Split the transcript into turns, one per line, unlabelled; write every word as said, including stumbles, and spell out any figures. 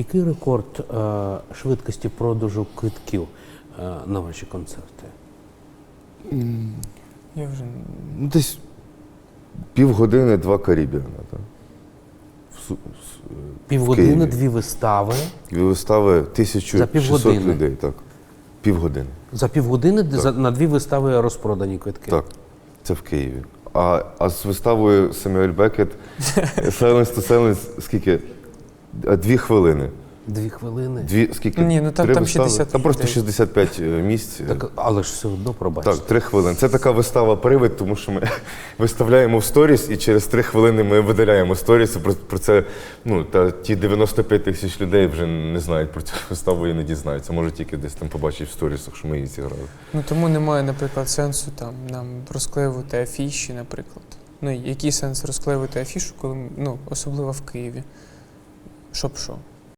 який рекорд е, швидкості продажу квитків е, на ваші концерти?
Я вже...
Ну, десь півгодини, два Карібіана. Так. В, Су- с- в
Півгодини,
Києві.
дві вистави.
Дві вистави, тисяча
За
шістсот
півгодини?
людей. Так. Півгодини.
За півгодини за, на дві вистави розпродані квитки?
Так. Це в Києві. А, а з виставою Семюель Бекет Silence to Silence скільки? А, Дві хвилини.
Дві хвилини?
Дві, скільки?
Ні, ну там-
Три
там
вистави?
шістдесят
Там просто
людей.
шістдесят п'ять місць.
Так, але ж все одно, пробачте.
Так, три хвилини. Це така вистава привид, тому що ми виставляємо в сторіс, і через три хвилини ми видаляємо сторіс. Про, про це, ну, та ті дев'яносто п'ять тисяч людей вже не знають про цю виставу і не дізнаються. Може тільки десь там побачать в сторісах, що ми її зіграли.
Ну тому немає, наприклад, сенсу там нам розклеювати афіші, наприклад. Ну який сенс розклеювати афішу, коли ну особливо в Києві? Щоб що?